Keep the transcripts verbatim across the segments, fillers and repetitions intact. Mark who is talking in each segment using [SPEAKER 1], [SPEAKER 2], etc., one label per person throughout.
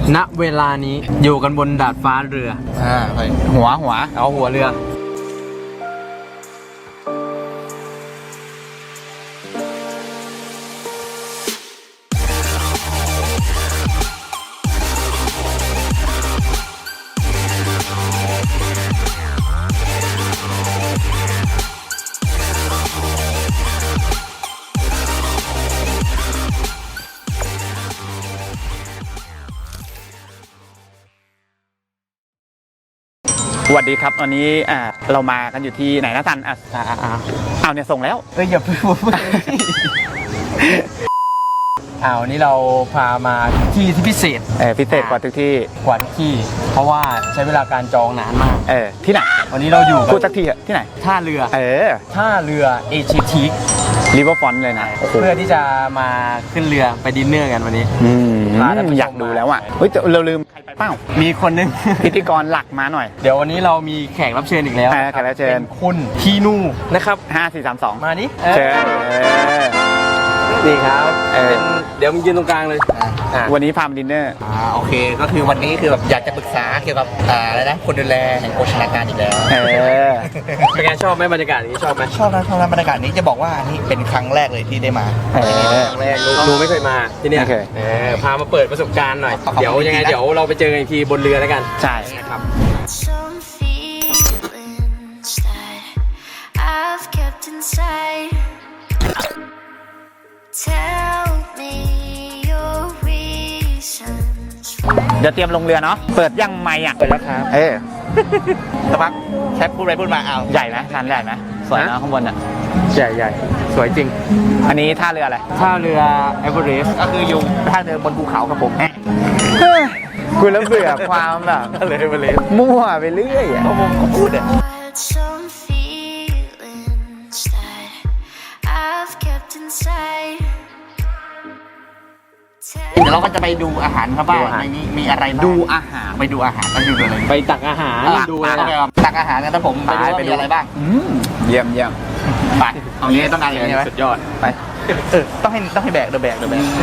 [SPEAKER 1] ณเวลานี้อยู่กันบนดาดฟ้าเรืออ่าหัวหัวเอาหัวเรือ
[SPEAKER 2] สวัสดีครับวันนี้อ่าเรามากันอยู่ที่ไหนนะทันอ่ะอ่าอ่าเอาเนี่ยส่งแล้ว
[SPEAKER 1] เอ้ยอย่าเพิ่งพูดอ้าวนี้เราพามาที่ที่พิเศษ
[SPEAKER 2] เออพิเศษกว่าทุกที่
[SPEAKER 1] กว่าทุกที่เพราะว่าใช้เวลาการจองนานมาก
[SPEAKER 2] เออที่ไหน
[SPEAKER 1] วันนี้เราอยู่
[SPEAKER 2] พูดสักทีอะที่ไหน
[SPEAKER 1] ท่าเรือ
[SPEAKER 2] เออ
[SPEAKER 1] ท่าเรือเอเชียทีค
[SPEAKER 2] ริเวอร์ฟรอนต์เลยนะ
[SPEAKER 1] เพื่อที่จะมาขึ้นเรือไปดินเนอร์กันวันนี้
[SPEAKER 2] อืมอยากดูแล้วอ่ะเฮ้ยเราลืมใครไปเปล่า
[SPEAKER 1] มีคนนึง
[SPEAKER 2] พิธีกรหลักมาหน่อย
[SPEAKER 1] เดี๋ยววันนี้เรามีแขกรับเชิญอีกแล้ว
[SPEAKER 2] แขกรับเชิญ
[SPEAKER 1] คุณพีนูนะครับ
[SPEAKER 2] ห้า สี่ สาม สอง
[SPEAKER 1] มานี่
[SPEAKER 2] เชิญ
[SPEAKER 1] นี่ครับเดี๋ยวมึงยืนตรงกลางเลย
[SPEAKER 2] วันนี้พามาดินเนอร์
[SPEAKER 3] อ่าโอเคก็คือวันนี้คือแบบอยากจะปรึกษาเกี่ยวกับอ่าอะไรนะคนดูแลแห่งโภชนาการอีกแล้ว
[SPEAKER 2] เออ
[SPEAKER 1] เป็นไงชอบไหมบรรยากาศนี้ชอบไหม
[SPEAKER 3] ชอบนะชอบนะบรรยากาศนี้จะบอกว่านี่เป็นครั้งแรกเลยที่ได้มา
[SPEAKER 2] เออ
[SPEAKER 1] ครั้งแรกหนูไม่เคยมาที่นี่เออพามาเปิดประสบการณ์หน่อยเดี๋ยวยังไงเดี๋ยวเราไปเจอกันอีกทีบนเรือแล้วกัน
[SPEAKER 2] ใช่
[SPEAKER 1] นะครับ
[SPEAKER 2] เดี๋ยวเตรียมลงเรือเนาะเปิดยังไม่อ่ะ
[SPEAKER 1] เปิดแล้วครับ
[SPEAKER 2] เออ
[SPEAKER 3] สักพักแคปพูดไปพูดมาเอา
[SPEAKER 2] ใหญ่ไหมร้านใหญ่ไหมสวยนะข้างบนอ่ะ
[SPEAKER 1] ใหญ่ใหญ่สวยจริง
[SPEAKER 2] อันนี้ท่าเรืออะไร
[SPEAKER 1] ท่าเรือเอเวอเรสต์
[SPEAKER 3] ก็คืออยู่ท่าเรือบนภูเขาครับผม
[SPEAKER 2] กูแล้วเบื่อความแบบ
[SPEAKER 1] ท่าเรือเอเวอเรสต์
[SPEAKER 2] มั่วไปเรื่อยอ่ะ
[SPEAKER 3] ผมก็พูดอ่ะเดี๋ยวเราก็จะไปดูอาหารครับว่าในนี้มีอะไรบ้าง
[SPEAKER 2] ดูอาหาร
[SPEAKER 3] ไปดูอาหารไปดูอะไร
[SPEAKER 1] ไปตักอาหาร
[SPEAKER 3] ดูอะไรตักอาหารกันนะผมไปดูว่ามีอะไรบ้าง
[SPEAKER 2] เยี่ยมเยี่ยม
[SPEAKER 3] ไปเอางี้ต้องการอย่างนี้ไหม
[SPEAKER 1] สุดยอด
[SPEAKER 3] ไปเออต้องให้ต้องให้แบกเดอะแบกเดอะแบก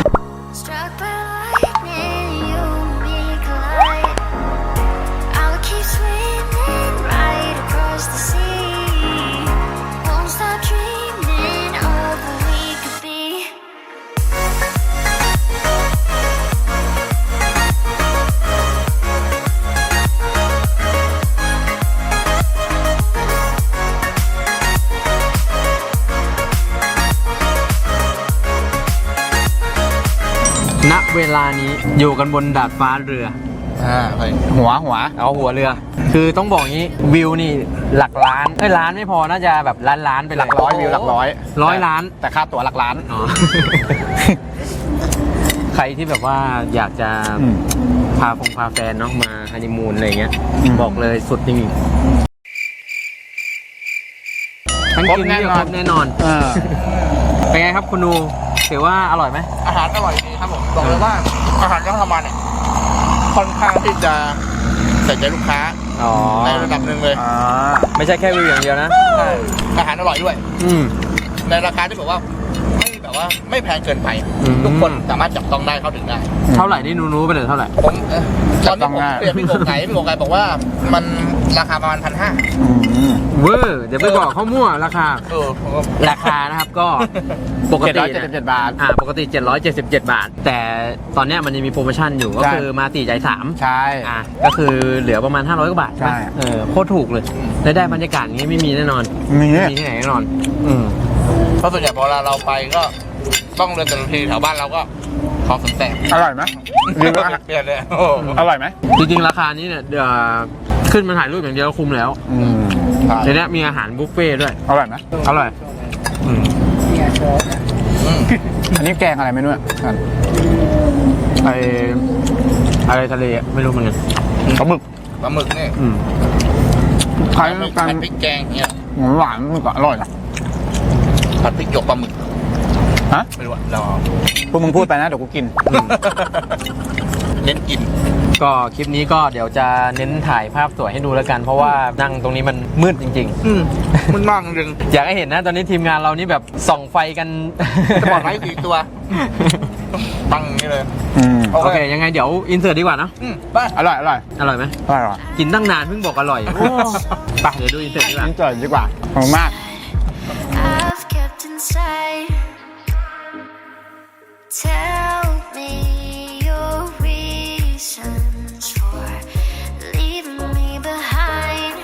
[SPEAKER 1] ณเวลานี้อยู่กันบนดาดฟ้าเรือ
[SPEAKER 3] อ่า
[SPEAKER 2] หัวหัว
[SPEAKER 1] เอาหัวเรือคือต้องบอกงี้วิวนี่หลักล้านเอ้ยล้านไม่พอน่าจะแบบล้านล้านไป
[SPEAKER 2] หลักร้อยวิวหลักร้อย
[SPEAKER 1] ร้อยล้าน
[SPEAKER 2] แต่ค่าตั๋วหลักล้าน
[SPEAKER 1] อ๋อ ใครที่แบบว่าอยากจะพาฟงพาแฟนเนาะมาฮันนีมูนอะไรเงี้ยบอกเลยสุดจริงๆทั้งกินนี่ครบแน่นอนเป็นไงครับคุณนูถือว่าอร่อยไหม
[SPEAKER 3] อาหารอร่อยดีครับผมบอกเลยว่าอาหารที่ทำมาเนี่ยค่อนข้างที่จะใส่ใจลูกค้าในระดับหนึ่งเลย
[SPEAKER 1] ไม่ใช่แค่วิวอย่างเดียวนะ
[SPEAKER 3] ใช่อาหารอร่อยด้วย
[SPEAKER 1] อืม
[SPEAKER 3] ในราคาที่แบบว่าไม่แบบว่าไม่แพงเกินไปทุกคนสามารถจับต้องได้เข้าถึงได้
[SPEAKER 1] เท่าไหร่นี่นูๆไปเลยเท่าไหร่
[SPEAKER 3] ผมตอนนี้ผมเปลี่ยนพี่โกไก่พี่โกไก่บอกว่ามันราคาประมาณพันห้า
[SPEAKER 1] เวอร์เดี๋ยวไปบอกเขามั่วราคาราคานะครับก็ปกติ
[SPEAKER 2] เจ็ดร้อยเจ็ดสิบเจ็ดบาท
[SPEAKER 1] อ่าปกติเจ็ดร้อยเจ็ดสิบเจ็ดบาทแต่ตอนนี้มันยังมีโปรโมชั่นอยู่ก็คือมาสี่จ่ายสาม
[SPEAKER 2] ใช่
[SPEAKER 1] อ่าก็คือเหลือประมาณห้าร้อยกว่าบาท
[SPEAKER 2] ใช่
[SPEAKER 1] เออโคตรถูกเลยและได้บรรยากาศนี้ไม่มีแน่นอน
[SPEAKER 2] มี
[SPEAKER 1] มีที่ไหนแน่นอนอืม
[SPEAKER 3] เพราะส่วนใหญ่พอเราเราไปก็ต้องเดินแต่ละทีแถวบ้านเราก็ขอสนแสบ
[SPEAKER 2] อร่อยไหม
[SPEAKER 3] เปลี่ยนเลย
[SPEAKER 2] อร่อยไหม
[SPEAKER 1] จริงๆราคานี้เนี่ยขึ้นมาถ่ายรูปอย่างเดียวคุ้มแล้วในนี้มีอาหารบุฟเฟ่ด้วย
[SPEAKER 2] อร่อยไหม
[SPEAKER 1] อร่อย
[SPEAKER 2] อันนี้แกงอะไรไม่รู้อ่ะ
[SPEAKER 1] ไออะไรทะเลไม่รู้เหมือนกัน
[SPEAKER 2] ปลาหมึก
[SPEAKER 3] ปลาหมึกนี่
[SPEAKER 2] คล้ายกัน
[SPEAKER 3] พริกแกงเนี่ย
[SPEAKER 2] หวานมันก็อร่อยนะ
[SPEAKER 3] ผัดพริกหยวกปลาหมึก
[SPEAKER 2] ฮะ
[SPEAKER 3] ไม่รู้อ่ะรอ
[SPEAKER 2] พวกมึงพูดไปนะเดี๋ยวกูกิน
[SPEAKER 3] เน้นกิน
[SPEAKER 1] ก็คลิปนี้ก็เดี๋ยวจะเน้นถ่ายภาพสวยให้ดูแล้วกันเพราะว่านั่งตรงนี้มันมืดจริง
[SPEAKER 3] ๆมันมากจริง
[SPEAKER 1] อยากให้เห็นนะตอนนี้ทีมงานเรานี่แบบส่องไฟกัน
[SPEAKER 3] จะบอกไว้กี่ตัวปังอย่างนี้เลย
[SPEAKER 2] อืม
[SPEAKER 3] โอ
[SPEAKER 1] โอ
[SPEAKER 3] เค
[SPEAKER 1] เคยังไงเดี๋ยวอินเสิร์ตดีกว่าเนาะ
[SPEAKER 3] อืมไปอร่อยอร่อย
[SPEAKER 1] อร่อยไหม
[SPEAKER 2] อร่อย
[SPEAKER 1] กินตั้งนานเพิ่งบอกอร่อยไปเดี๋ยวดูอินเสิร์ตดีกว่า
[SPEAKER 2] นี่เจอดีกว่าขอบคุณมาก
[SPEAKER 4] I've kept inside. Tell me your reasons for leaving me behind.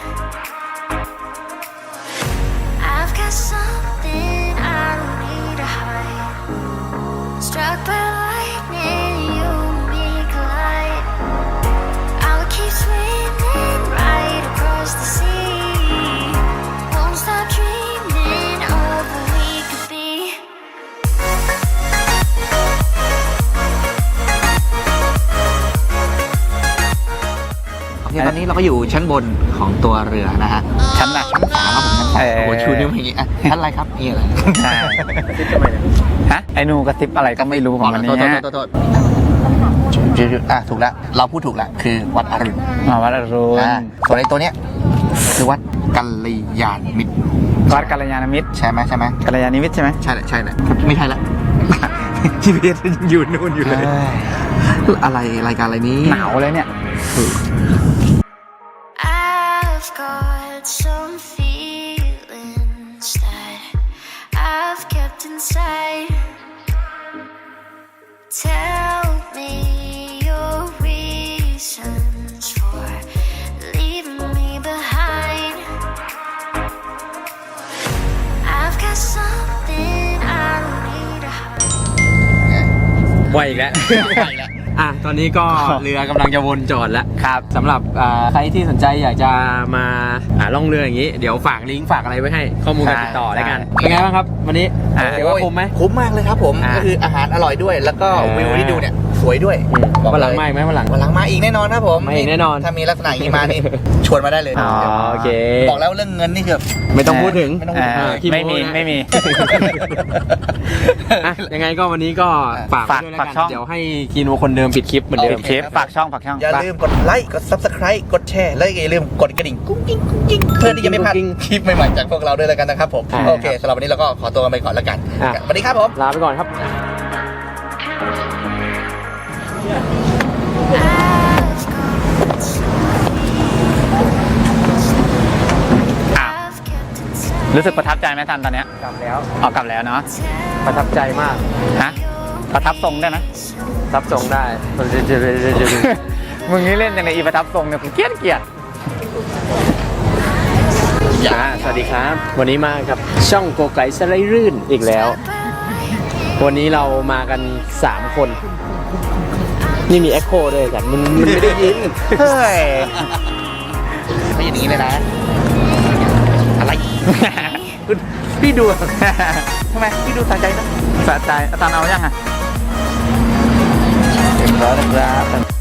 [SPEAKER 4] I've got something I don't need to hide. Struck by lightning, you and me collide. I'll keep swimming right across the sea. Won't stop dreaming of what we could be.
[SPEAKER 3] โอเคตอนนี้เราก็อยู่ชั้นบนของตัวเรือนะฮะ
[SPEAKER 2] ชั้นน่ะ
[SPEAKER 3] ชั้นสามครับผมชั้นสาม
[SPEAKER 2] เออ
[SPEAKER 3] โอ้โหชูนิ้วอย่างงี้อ่ะชั้นอะไรครับนี่อะไร
[SPEAKER 2] ใช่ฮะไอ้หนูกระซิบอะไรก็ไม่รู้ของมัน
[SPEAKER 3] โทษ
[SPEAKER 2] เนี้ย
[SPEAKER 3] โทษโทษโทษจุดๆอ่ะถูกแล้วเราพูดถูกแล้วคือวัดอรุณ
[SPEAKER 2] มาวัดอรุณ
[SPEAKER 3] อ่าส่วนไอ้ตัวเนี้ยคือวัดกัลยาณมิตร
[SPEAKER 2] วัดกัลยาณมิตร
[SPEAKER 3] ใช่ไหมใช่ไหม
[SPEAKER 2] กัลยาณมิตรใช่ไหม
[SPEAKER 3] ใช่แหละใช่แหละไม่ใช่ละ
[SPEAKER 1] จีพีเอสยังอยู่นู่นอยู่เลย
[SPEAKER 3] อะไรรายการอะไรนี้
[SPEAKER 2] หนาวเลยเนี่ย
[SPEAKER 4] I've got some feelings that I've kept inside. Tell me your reasons for leaving me behind. I've got something I don't need to hide.
[SPEAKER 1] ไวอีกแล้ว อ่ะตอนนี้ก็เรือกำลังจะวนจอดแล้ว
[SPEAKER 2] ครับ
[SPEAKER 1] สำหรับอ่าใครที่สนใจอยากจะมาอ่าล่องเรืออย่างนี้ เดี๋ยวฝากลิงก์ฝากอะไรไว้ให้ข้อมูลการติดต่อแล้วกัน เป็นไงบ้างครับ วันนี้
[SPEAKER 2] อ่า
[SPEAKER 1] ถือว่าคุ้มไหม
[SPEAKER 3] คุ้มมากเลยครับผม
[SPEAKER 1] อ่า
[SPEAKER 3] ก็คืออาหารอร่อยด้วย แล้วก็
[SPEAKER 1] อ่า
[SPEAKER 3] วิวที่ดูเนี่ยสวยด้วย
[SPEAKER 1] อืม
[SPEAKER 3] บอก
[SPEAKER 1] วันหลัง
[SPEAKER 3] เลย
[SPEAKER 1] มาอีกไหมวันหลัง
[SPEAKER 3] วันหลังมาอีกแน่นอนครับผม
[SPEAKER 1] มาอีกแน่นอน
[SPEAKER 3] ถ้ามีลักษณะอย่างนี้มานี่ ชวนมาได้เลย
[SPEAKER 1] อ๋อโอเค
[SPEAKER 3] บอกแล้วเรื่องเงินนี่คือ
[SPEAKER 1] ไม่ต้องพูดถึง
[SPEAKER 3] ไม่ต้องพูดถึง
[SPEAKER 2] อ่า
[SPEAKER 1] ขี้โ
[SPEAKER 2] ไม่มี
[SPEAKER 1] นะ
[SPEAKER 2] ไม่มี
[SPEAKER 1] อ่ะยังไงก็วันนี้ก็ฝากไว้ด้วยแล้ว
[SPEAKER 2] ฝาก
[SPEAKER 1] กัน
[SPEAKER 2] ช่อง
[SPEAKER 1] เดี๋ยวให้คีโนคนเดิมปิดคลิปเหมือนเดิม
[SPEAKER 2] ปิดคลิปฝากช่องฝากช่อง
[SPEAKER 3] อย่าลืมกดไลค์ กด ซับสไครบ์ กดแชร์ และอย่าลืมกดกระดิ่งกุ้งกิ้งกุ้งกิ้งเพื่อที่จะไม่พลาด
[SPEAKER 1] กุ้งกิ้ง
[SPEAKER 3] คลิปใหม่ๆจากพวกเราด้วยแล้วกันนะครับผม
[SPEAKER 1] อ่า
[SPEAKER 3] โอเคสำหรับวันนี้เราก็ขอตัวกันไปก่อนแล้วกัน
[SPEAKER 1] อ่ะ
[SPEAKER 3] สวัสดีครับผม
[SPEAKER 1] ลาไปก่อนครับ
[SPEAKER 2] อ่ะ
[SPEAKER 4] I've kept inside.
[SPEAKER 2] รู้สึกประทับใจไหมทันตอนเนี้ย
[SPEAKER 1] กลับแล้ว
[SPEAKER 2] ออกกลับแล้วเนาะ
[SPEAKER 1] ประทับใจมาก
[SPEAKER 2] ฮะประทับทรงได้ไหม
[SPEAKER 1] รับส่งได้
[SPEAKER 2] มึงนี่เล่นยังไงอีประทับทรงเนี่ยกูเกลียดเกลียด
[SPEAKER 1] อ่าสวัสดีครับ วันนี้มากับช่องโกไก่สไลด์รื่นอีกแล้ว วันนี้เรามากันสามคน นี่มีเอ็กโคด้วยแต่มันมันไม่ได้ยิน
[SPEAKER 2] เฮ้ย
[SPEAKER 3] ไม่อย่างนี้เลยนะ อะไร
[SPEAKER 2] พี่ดู ทำไมพี่ดูสะใจนะสะใจอาจารย์เอายังอ่ะเรียบร้อยแล้วครับ